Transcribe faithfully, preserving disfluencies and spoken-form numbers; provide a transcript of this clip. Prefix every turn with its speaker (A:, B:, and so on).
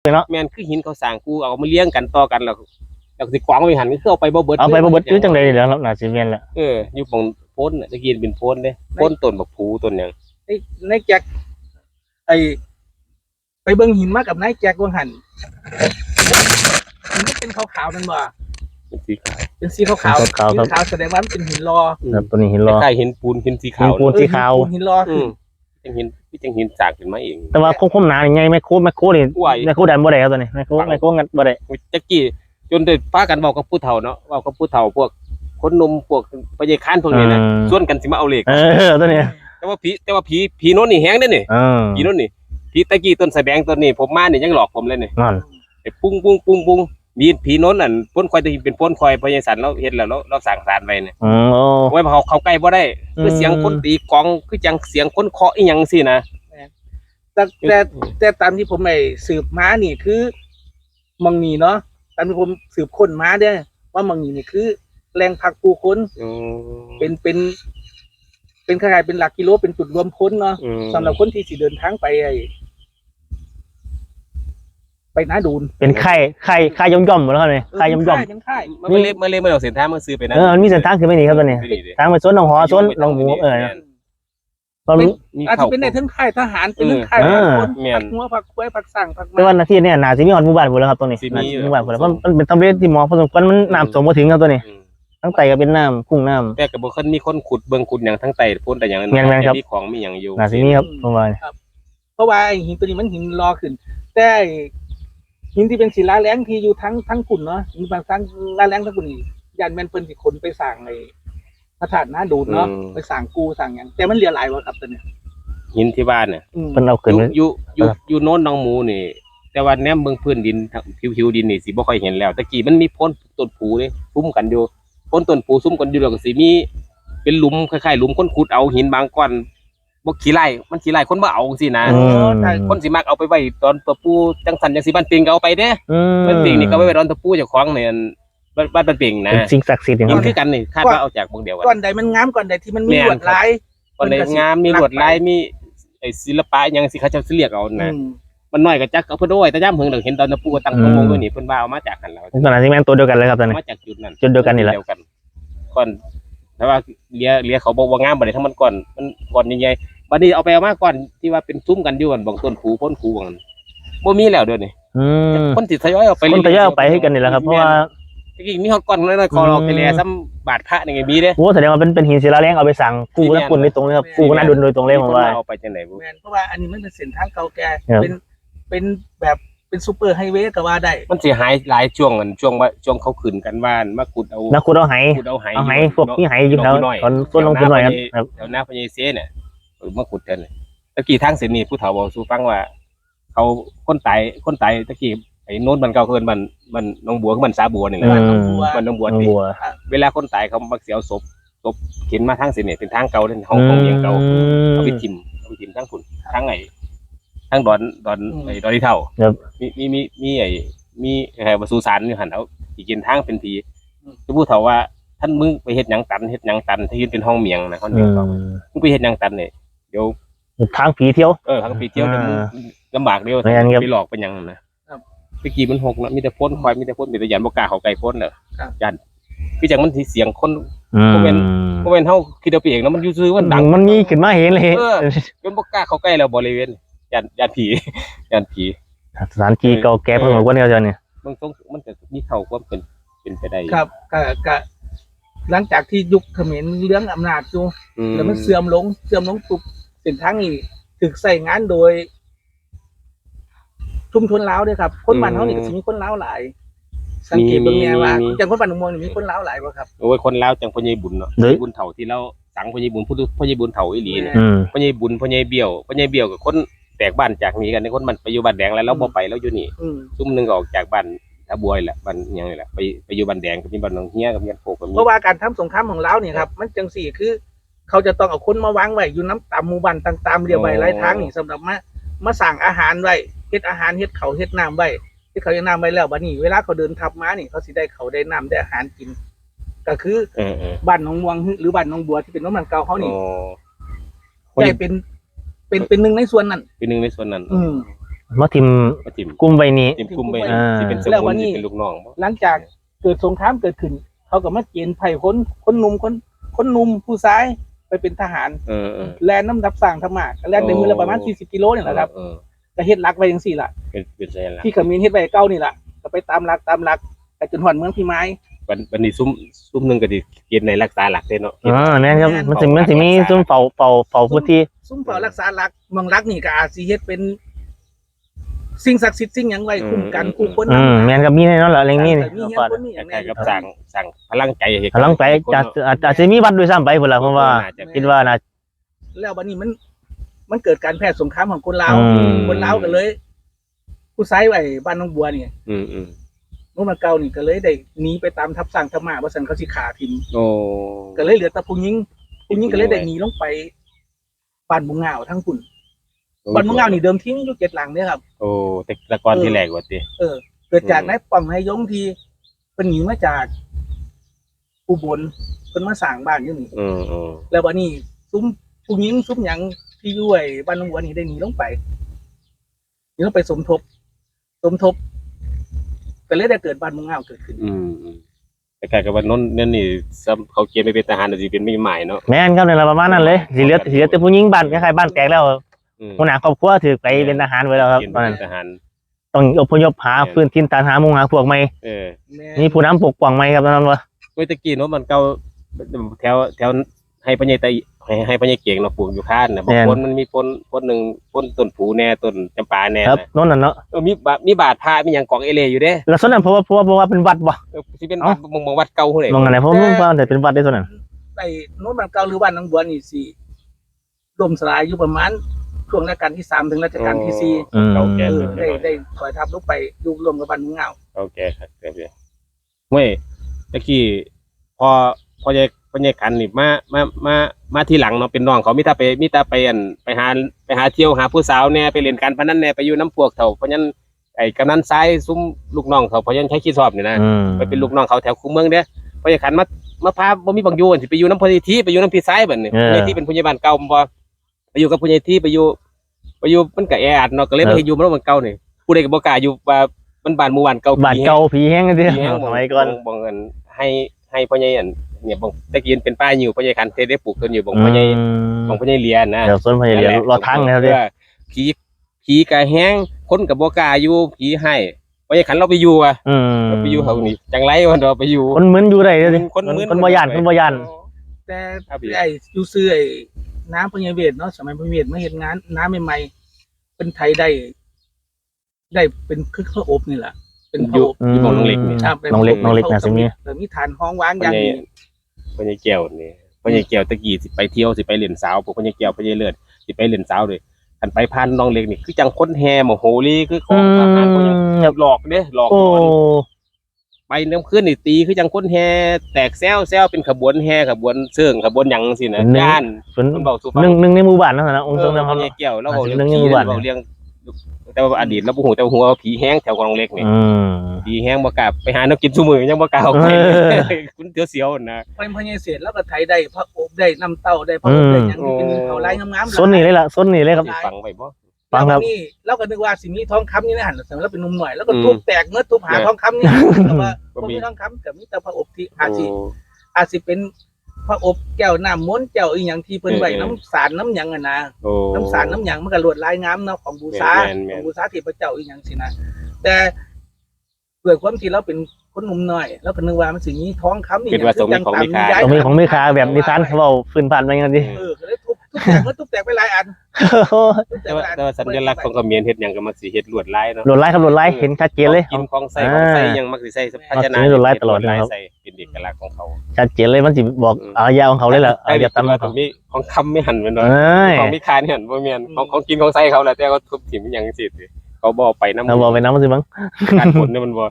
A: เนาะ
B: แม่นคือหินเขาสร้างกูเอามาเลี้ยงกันต่อกันแล้วแล้วสิกวางไปหันก็คือเอาไปบ่เบิด
A: เอาไปบ่เบิดคือจังได๋แล้วน่าสิแม่นแหละ
B: เอออยู่ตรงโพ้นน่ะตะกี้เป็นโพ้นเด้โพ้นต้นบักผูต้นหยัง
C: ในในแจ็คไอไปเบิ่งหินมากับนายแจ็คว่าหันมันก็เป็นขาวๆนั่นบ่
B: เป็นสีขาว
C: เป็นสีขาวๆสีขาวแสดงว่ามันเป็นหินรอ
A: ครับตัวนี้หินรอ
B: คล้ายๆหินปูนหินสีขาว
A: ปูนสีขาว
C: หินรอคือ
B: จังหินที่จังหินสร้างขึ้นมาเอง
A: แต่ว่าคมๆหนาใหญ่แม่โคแม่โคนี่แม่โคดันบ่ได้ครับตัวนี้แม่โคแม่โคงัดบ่ได้
B: ตะกี้จนได้พากันเว้ากับผู้เฒ่าเนาะเว้ากับผู้เฒ่าพวกคนหนุ่มพวกพญาคานพวกนี้นะส่วนกันสิมาเอาเลข
A: เออตัวนี้
B: แต่ว่าผีแต่ว่าผีผีโน้นนี่แฮงเด้นี่
A: เออ
B: ผีโน้นนี่ผีตะกี้ต้นสะแบงต้นนี้ผมมานี่ยังหลอกผมเลยนี่
A: นั่น
B: ไอ้ปุ้งปุ้งปุ้งปุ้งมีผีโน้นนั่นพ้นควายที่เป็นพ้นควายพญาสันเราเฮ็ดแล้วเราเราสร้างศาลไว้นี่
A: อ๋อ
B: ไว้เขาเข้าใกล้บ่ได้คือเสียงคนตีกลองคือจังเสียงคนเคาะอีหยังสินะ
C: แต่แต่แต่ตามที่ผมไปสืบมานี่คือมังนีเนาะตามที่ผมสืบค้นมาเด้อว่ามังนีนี่คือแรงผลักผู้คนเป็นเป็นเป็นขนาดเป็นหลักกิโลเป็นจุดรวมคนเนาะสำหรับคนที่สิเดินทางไปไอไปน้าดูน
A: เป็นไข่ไข่ไข่ย่อมย่อมหมดแล้วเนี่ยไข่ย่อมย่อม
B: มันเล็บมันเล็บมันเอาเส้นทางมันซื้อไปนะ
A: เออมันมีเส้นทางคือไม่หนีครับตัวนี้ทางไปสวนหนองหอสวนหนองหมูเออ
C: เรารู้อาจจะเป็นในทั้งค่ายทหารเป็นทั้งค่ายคนผักหัวผักคุ้ยผักสั่งผัก
A: แต่ว่านาทีเนี่ยนาซีมีหอดหมู่บ้านหมดแล้วครับตรงนี้หมู่บ้านหมดแล้วมันเป็นทำเลที่หมอผสมกันมันน้ำสมมาถึงครับตัวนี้ทั้งไตก็เป็นน้ำกุ้งน้ำ
B: แต่กับบุคคลมีคนขุดเบิ่งขุดอย่างทั้งไตพ่นแต่อย่างนั้นมีของมีอย่างอยู่
A: นาซีมีครับประมาณ
C: เพราะว่าหินตัวนี้มันหินรอขึ้นแต่หินที่เป็นศิลาแรงที่อยู่ทั้งทั้งกุ่นเนาะมีบางครั้งลาแรงทั้งกุ่นยันแมนเปิ้ลที่คนไปสั่งไอ้พระธาตุน้าดูนเนาะไปสั่งกูสั่งอย่างแต่มันเหลือหลายวะครับตัวเนี้ย
B: หินที่บ้านเนี่ย
A: มันเอาขึ้น
B: อยู่อยู่อยู่โน้นน้องหมูนี่แต่ว่าแนมเบิ่งพื้นดินผิวผิวดินนี่สิบ่ค่อยเห็นแล้วตะกี้มันมีพ้นต้นผูนี่ซุ้มกันอยู่พ้นต้นผูซุ้มกันอยู่แล้วก็สิมีเป็นหลุมคล้ายๆหลุมคนขุดเอาหินบางก้อนบ่ขี้ไร่มันขี้ไร่คนบ่เอาสินะคนสิมักเอาไปไว้ตอนตัวปูจังสันจังสิบ้านเปียงก็เอาไปเด้บ้านเปียงนี่ก็ไว้ตอนตัวปูเจ้าของเนี่ยบ้านบ้านเปียงนะ
A: สิ่งศักดิ์สิทธิ์อย่าง
B: นี้คือกันนี่คาดว่าเอาจากเมืองเดียวกัน
C: ก่อนใดมันงามก่อนใดที่มันมีลวดลาย
B: ก่อนใดงามมีลวดลายมีไอ้ศิลปะยังสิเขาจะเรียกเอานะมันน้อยก็จักเอาเพิ่นด้วยแต่ย่ำเพิ่งเห็นตอนตะปูตั้งตรงมงด้วยนี่เพิ่นว่าเอามาจากกันแล้ว
A: ตอนนั้นที่แม่นตัวเดียวกันเลยครับตอนนี้
B: มาจากจุดนั้น
A: จุดเดียวกันนี่แหละ
B: ก่อนแต่ว่าเลียเลียเขาบอกว่างามบ่ได้ทั้งมันก่อนมันก่อนใหญ่ๆบัดนี้เอาไปเอามาก่อนที่ว่าเป็นซุ้มกันอยู่กันบางต้นผูพ้นผูบางบ่มีแล้วเดี๋ยวนี้คนสิทยอยเอาไป
A: คนทยอยเอาไปให้กันนี่แหละครับเพราะว่า
B: จริงๆมีฮอดก่อนน้อยๆคอเราไปแลซ้ำบาดพระนี่ไงมีเด้
A: โอ้แสดงว่าเป็นเป็นหินศิลาแรงเอาไปสั่งกูแล้วคุณโดยตรงเลยครับกูก็น่าดุนโดยตรงเลยผมว่า
B: เอาไปจังได๋บ่
C: แม่นเพราะว่าอันนี้มันเป็นเส้นทางเก่าแก่เป็นเป็นแบบเป็นซูเปอร์ไฮเวย์ก็ว่าได้
B: มันสิหายหลายช่วงกันช่วงว่าช่วงเขาขึ้นกันว่านมาขุดเอา
A: มาขุดเอาไห
B: ขุดเอาไห
A: เอาไหพวกที่ไหอยู่แล้วตอนต้นลงทุนหน่อยครับ
B: แถวหน้าพญาเสเนี่ยเออมาขุดกันตะกี้ทางเส้นนี้ผู้เฒ่าบอกสู่ฟังว่าเขาคนตายคนตายตะกี้ไอ้โน้นมันเก่าเกินมันมันน้องบัวมันสาบัวนี่แหละมันน้องบัวนี่เวลาคนตายเขามักเสียศพศพเข็นมาทางเส้นนี้เป็นทางเก่าเป็นห้องของเมียงเก่าเอาไปทิ่มเอาไปทิ่มทางฝุ่นทางไอ้ทางดอนดอนไอ้ดอนที่เท่ามีมีมีมีไอ้มีไอ้วัสุสานอยู่หันเอาอีกกินทางเป็นผีจะพูดเถอะว่าท่านมึงไปเฮ็ดหยังตันเฮ็ดหยังตันที่ยืนเป็นห้องเมียงนะห้องเมียงเก่ามึงไปเฮ็ดหยังตันเนี่ยเดี๋ยว
A: ทางผีเที่ยว
B: เออทางผีเที่ยวลำบากเดียวไปหลอกไปยังนะไปกี่มันหกนะมีแต่พ่นควายมีแต่พ่นมีแต่ยันบกกาเขาไก่พ่นเนอะยันพี่จังมันเสียงคนโมเมนโมเมนเท่าคิดเอาไปเองแล้วมันยูซื้อมันดัง
A: มันมีขึ้นมาเห็นเลย
B: จนบกกาเขาใกล้เราบริเวณยันยันผียันผี
A: สถานที่เก่าแก่พอสมควรเนี่ยเจ้าเนี่ย
B: มันต้องมันจะมีเข่าก็เป็นเป็นไปได้
C: ครับก็ก็หลังจากที่ยุคเขมรเรื่องอำนาจอยู่แล้วมันเสื่อมลงเสื่อมลงปุ๊บเส้นทางนี้ถึกใส่งานโดยชุมชนลาวด้วยครับคนบ้านเขานี่ก็จะมีคนลาวหลายสังเกตเบิ่งแน่ว่าจังคนบ้านหนองม่วงนี่มีคนลาวหลายบ่ครับ
B: โอ้ยคนลาวจังพ่อใหญ่บุญเนาะบุญเฒ่าที่เราสังพ่อใหญ่บุญพูดพ่อใหญ่บุญเฒ่าอีหลีเนี่ยพ่อใหญ่บุญพ่อใหญ่เบี้ยวพ่อใหญ่เบี้ยวกับคนแตกบ้านจากนี้กันในคนมันไปอยู่บ้านแดงแล้วเราบ่ไปแล้วอยู่นี่ซุ่มนึงก็ออกจากบ้านตะบวยแหละบ้านหยังนี่แหละไปไปอยู่บ้านแดงกับมีบ้านหนองเฮียกับมีบ้านโพกับมี
C: เพราะว่าการทำสงครามของลาวนี่ครับมันจังสี่คือเขาจะต้องเอาคนมาวางไว้อยู่น้ำตามหมู่บ้านต่างๆเรียบไว้หลายทางนี่สำหรับมามาสั่งอาหารไว้เฮ็ดอาหารเฮ็ดเขาเฮ็ดน้ำไว้ที่เขาจะน้ำไว้แล้วบัดนี้เวลาเขาเดินทับม้านี่เขาสิได้เขาได้น้ำได้อาหารกินก็คือบ้านหนองม่วงหรือบ้านหนองบัวที่เป็นน้ำมันเก่าเขานี่ได้เป็นเป็นเป็นหนึ่งในส่วนนั้น
B: เป็นหนึ่งในส่วนนั้น
C: อืม
A: มาทิม
B: มาทิม
A: กลุ่มใบนี้
B: ทิมคุมไป
A: อ่า
B: ที่เป็นสมุนที่เป็นลูกน้องบ่
C: หลังจากเกิดสงครามเกิดขึ้น เขาก็มาเกณฑ์ไผ่คนคนหนุ่มคนคนหนุ่มผู้ชายไปเป็นทหาร
B: เออเออ
C: แลนน้ำดับสร้างธรรมะแลนในมือละประมาณสี่สิบกิโลนี่แหละครับ
B: เออ
C: ก็เฮ็ดรักไว้จังซี่ล่ะ
B: เป็นเป็นไงล่ะ
C: ที่เขมิ้นเฮ็ดไว้เก่านี่ล่ะก็ไปตามรักตามรักแต่จนหอดเมืองพี่ไม้
B: วันวันนี้ซุ้มซุ้มหนึงก็สิเกณฑ์ในรักษาหลักเด้เนาะ
A: อ่าแม่นครับมันสิมันสิมีซุ่มเฝ้าเฝ้าเฝ้าพื้นที่
C: ซุ้มเฝ้ารักษารักเมืองรักนี่ก็อาจสิเฮ็ดเป็นสิ่งศักดิ์สิทธิ์สิ่งหยังไว้คุ้มกันคู่คน
A: อืมแม่นครับมีแน่นอนแหละเรื่องนี้นี่
C: มีเฮียนคนมีหยัง
B: คล้ายๆกับ
C: แน่
B: สั่งสั่งพลังใจให้
A: พลังไปจะอาจอาจจะมีวัดด้วยซ้ำไปพุ่นล่ะเพราะว่า
B: น่จะ
A: คิดว่าน่า
C: แล้วบัดนี้มัน มันเกิดการแพร่สงครามของคนลาว
A: อืม
C: คนลาวก็เลย ผู้ชายไว้บ้านน้องบัวนี่
B: อืมอืม
C: นู้นมาเก่านี่ก็เลยได้หนีไปตามทับสร้างธรรมะว่าซั่นเขาสิฆ่าทิม
B: โอ้
C: ก็เลยเหลือแต่ผู้หญิงผู้หญิงก็เลยได้หนีลงไปบ้านบุงเหงาทั้งคุณบ้านบุงเหงานี่เดิมทีมีอยู่เจ็ดหลังเนี่ยครับ
B: โอ้แต่ละก่อนที่แรกว่าติ
C: เออ เกิดจาก
B: อืม
C: นายป่องนายยงที่เป็นหนีมาจากอุบลเพิ่นมาสร้างบ้านอยู่นี่
B: อืมอืม
C: แล้ววันนี้ซุ้มผู้หญิงซุ้มหยังที่อยู่ไอ้บ้านน้องบัวนี่ได้หนีลงไปหนีลงไปสมทบ สมทบก็เลยได้เกิดบ้านบุงเหงาเกิดขึ้น
B: อืมอืมแต่กลายกับว่านนนั่นนี่ซ้ำเขาเกณฑ์ไปเป็นทหารน่ะสิเป็นมีหมายเนาะ
A: แม่นครับในระประมาณนั้นเลยสิเหลือสิเหลือแต่ผู้หญิงบ้านคล้ายๆบ้านแตกแล้ว
B: อืม
A: หัวหน้าครอบครัวถือไปเป็นทหารไว้แล้วครับ
B: เกณฑ์
A: ตอน
B: ไป
A: นั้น
B: เป็นทหาร
A: ต้องอพยพหาพื้นที่ฐานหาหมู่หาพวกใหม่
B: เออ
C: แม่
A: มีผู้นำปกป้องใหม่ครับตอนนั้นว่า
B: เมื่อตะกี้เนาะมันเก่าแถวแถวให้พญายไตให้ให้พญายเก่งเนาะปลูกอยู่ข้านน่ะบางคนมันมีต้นต้นหนึงต้นต้นผูแน่ต้นจำปาแน่
A: ครับ
B: นะ
A: โน่นน่ะเนาะ
B: เออมีบามีบาดพามีหยังกองเอเลอยู่เด้
A: แล้วส่วนนั้นเพราะว่าเพราะว่าเพราะว่าเป็นวัดบ่
B: เออสิเป็น
A: เอ้า
B: มองมองวัดเก่าเท่าไหร่
A: มองอะไรเพราะว่าแต่เป็นวัดได้ส่วนนั้น
C: ไอ้โน้นบ้านเก่าหรือบ้านน้องบัวนี่สิล่มสลายอยู่ประมาณช่วงรัชกาลที่สามถึงรัชกาลที่สี่
A: อืม
B: เก่าแก่
C: เอ
B: เล
C: อย ได้ได้ถอยทับลงไปอยู่รวมกับบ้านบุงเหงา
B: เก่าแก่ครับเดี๋ยวเว้ยตะกี้พอพอยายพอยายขันนี่มามามามาทีหลังเนาะเป็นน้องเขามีแต่ไปมีแต่ไปอันไปหาไปหาเที่ยวหาผู้สาวแน่ไปเล่นการพนันแน่ไปอยู่น้ำพวกเขาเพราะฉะนั้นไอ้กำนันซ้ายซุ้มลูกน้องเขาเพราะฉะนั้นใช้ขี้สอบนี่นะ
A: อืม
B: ไปเป็นลูกน้องเขาแถวคูเมืองเด้อพอยายขันมามาพาบ่มีบังอยู่สิไปอยู่น้ำพญทีไปอยู่น้ำพี่ซ้ายบัดนี้พญทีเป็นผู้ใหญ่บ้านเก่าบ่ไปอยู่กับผู้ใหญ่ที่ไปอยู่ไปอยู่มันก็แออัดเนาะก็เลยไปอยู่มันมันเก่านี่ผู้ใดก็บ่กล้าอยู่ว่ามันบ้านหมู่บ้านเก่า
A: บาดเก่าผีแห้งกันดิ
B: ผีแห้ง
A: สมัยก่อน
B: บ่เงินให้ให้พ่อใหญ่อันเนี่ยบ่ตะกี้เป็นป้าอยู่พ่อใหญ่คันเทได้ปลูกต้นอยู่บ่พ่อใหญ่บ่พ่อใหญ่เลียนนะ
A: เดี๋ยวส่วนพญาเรียนรอทางนะครับดิ
B: ผีผีก็แห้งคนก็บ่กล้าอยู่ผีให้พ่อใหญ่คันเราไปอยู่อ่ะ
A: อืม
B: เราไปอยู่เฮานี่จังไรวันเราไปอยู่
A: คนมึนอยู่ได้เลยดิ
B: คนมึน
A: คนบ่ย่านคนบ่ย่าน
C: แต่
B: ครับพี่
C: ไอ้อยู่ซื้อไอ้น้ำพญาเวทเนาะสมัยพญาเวทมาเฮ็ดงานน้ำใหม่ๆเป็นไทยได้ ได้เป็นคือข้าวอบนี่แหละเป็นข้าวอบ
B: อยู่ของน้องเล็กนี่
C: ครับ
A: น้องเล็กน้องเล็กนะสิมี
C: แต่มีฐานห้องวางอ
B: พ่อย่าง ใหญ่
C: นี้
B: พ่อใหญ่แก้วนี่พ่อใหญ่แก้วตะกี้สิไปเที่ยวสิไปเล่นสาวพวกพ่อใหญ่แก้วพ่อใหญ่เลิศสิไปเล่นสาวเลยคันไปผ่านน้องเล็กนี่คือจังคนแห่มาโหรีคือของทหารพวกยัง
A: แบบ
B: หลอกเด้หลอก
A: โอ้
B: หลอนไปน้ำขึ้นนี่ตีคือจังคนแห่แตกแซวแซวเป็นขบวนแห่ขบวนเสื่องขบวนหยังสินะย่าน
A: เป็น
B: มันบอกสุฟัง
A: หนึ่งหนึ่งในหมู่บ้านนั่นนะองค์
B: เอ
A: ทร
B: อง
A: นะค
B: พ่
A: รั
B: อบ ใหญ่แก้วแล้วบอกเรื่อง
A: เรื่อง
B: ผี
A: หมู่บ้าน
B: บอกเรื่องแต่ว่าอดีตแล้วบ่ฮู้แต่ว่าหัวาผีแห้งแถวกองเล็กนี่
A: อืม
B: ผีแห้งบ่กล้าไปหาแนวกินซุมื้อยังบ่กล้าออกไป
A: เออ
B: คุณเสียวๆนะ
C: เป็นพญาเศษแล้วก็ไทยได้พระอบได้น้ำเต้าได้พระอบได้หยังที่เป็นเขาไร้งามๆ
A: ส้นนี่เลยล่ะส้นนี่เลยครับ
B: สิฟังไว้บ่
A: ฟังครับ
C: แล้วนี่เราก็นึกว่าสิมีทองคำนี่นะหันสมัยเราเป็นหนุ่มหน่อยแล้วก็ทุบแตกเมื่อทุบหาทองคำนี่แต่ว่าบ่มีทองคำแต่มีแต่พระอบที่อาจสิอาจสิเป็นพระอบแก้วน้ำม้วนแก้วอีหยังที่เพิ่นไว้น้ำสารน้ำหยังอะนะ
B: โอ้
C: น้ำสารน้ำหยังมันก็ลวดลายงามเนาะของบูชา
B: แม่นๆแม่น
C: ของบูชาเทพเจ้าอีหยังสินะแต่เกิดความที่เราเป็นคนหนุ่มน้อยแล้วก็นึกว่ามันสิมีทองคำนี่
B: คิดว่าสมมีของมีค่า
A: ตรงนี้ของไม่คาแบบนิทานเขาเว้าฟื้นผ่านไปกันดิ
C: เออก็เลยทุบทุบแตกมันทุบแตกไปหลายอันทุบแต
B: แต่
C: กไป
B: ว่า
C: หลายอัน
B: แต่ว่าสัญลักษณ์ของเขมรเฮ็ดหยังก็มักสิเฮ็ดลวดลายเนาะ
A: โหลดไลค์ครับโหลดไลค์เห็นชัดเจนเลย
B: กินของใส่ของใส่หยังมักสิใส่ภาชนะ
A: มักสิมีลวดลายตลอดนะครับ
B: ใส่เป็นเอกลักษณ์ของเขา
A: ชัดเจนเลยมันสิบอกอารยาของเขาเลยล่ะอารยาตาม
B: ข
A: เขา
B: องมีของคำไม่หันแม่นบ่
A: เอ้ย
B: ของมีค่านี่หันบ่แม่นของของกินของใส่เขาแหละแต่เขาทุบถิ่มหยังจังซี่เขาบ่เอาไปนำ
A: เราบอกไปน้ำมันสิมั้ง
B: การผลเนี่ยมันบ่